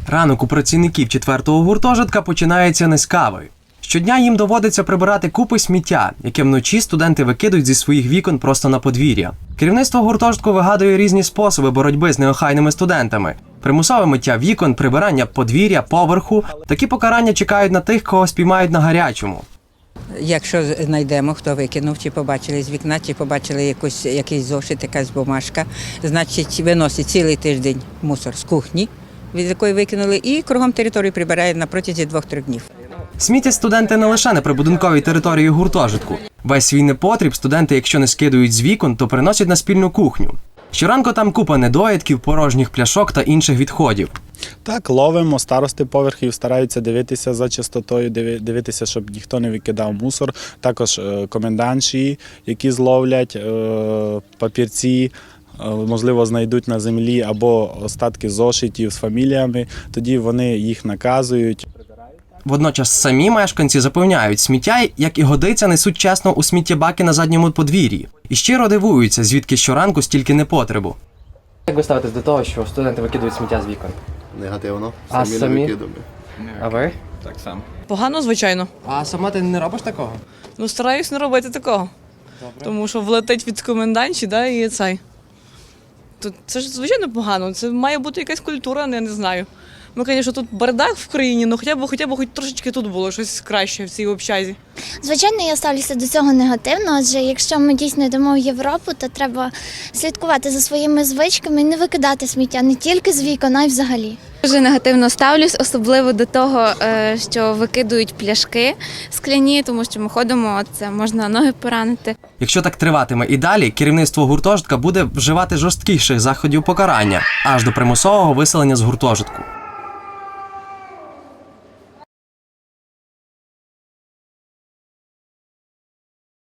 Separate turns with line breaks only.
Ранок у працівників 4-го гуртожитка починається не з кави. Щодня їм доводиться прибирати купи сміття, яке вночі студенти викидують зі своїх вікон просто на подвір'я. Керівництво гуртожитку вигадує різні способи боротьби з неохайними студентами. Примусове миття вікон, прибирання подвір'я, поверху. Такі покарання чекають на тих, кого спіймають на гарячому.
Якщо знайдемо, хто викинув, чи побачили з вікна, чи побачили якийсь зошит, якась бумажка, значить виносить цілий тиждень мусор з кухні, від якої викинули, і кругом території прибирає на протязі 2-3 днів.
Смітять студенти не лише на прибудинковій території гуртожитку. Весь свій непотріб студенти, якщо не скидують з вікон, то приносять на спільну кухню. Щоранку там купа недоїдків, порожніх пляшок та інших відходів.
Так, ловимо, старости поверхів стараються дивитися за чистотою, дивитися, щоб ніхто не викидав мусор. Також комендантші, які зловлять папірці, можливо, знайдуть на землі або остатки зошитів з фаміліями, тоді вони їх наказують.
Водночас самі мешканці запевняють, сміття, як і годиться, несуть чесно у сміттєбаки на задньому подвір'ї. І щиро дивуються, звідки щоранку стільки непотребу.
Як ви ставитесь до того, що студенти викидують сміття з вікон?
Негативно.
А
Самі
самі?
не викидуємо.
А ви?
Так само.
Погано, звичайно.
А сама ти не робиш такого?
Ну, стараюсь не робити такого.
Добре.
Тому що влетить від комендантші, да, і цей. То це ж звичайно погано. Це має бути якась культура, я не знаю. Ну, звісно, тут бардак в країні, але хоча б хоч трошечки тут було щось краще в цій общазі.
Звичайно, я ставлюся до цього негативно, адже якщо ми дійсно йдемо в Європу, то треба слідкувати за своїми звичками і не викидати сміття не тільки з вікон, а й взагалі.
Дуже негативно ставлюсь, особливо до того, що викидують пляшки скляні, тому що ми ходимо, це можна ноги поранити.
Якщо так триватиме і далі, керівництво гуртожитка буде вживати жорсткіших заходів покарання, аж до примусового виселення з гуртожитку.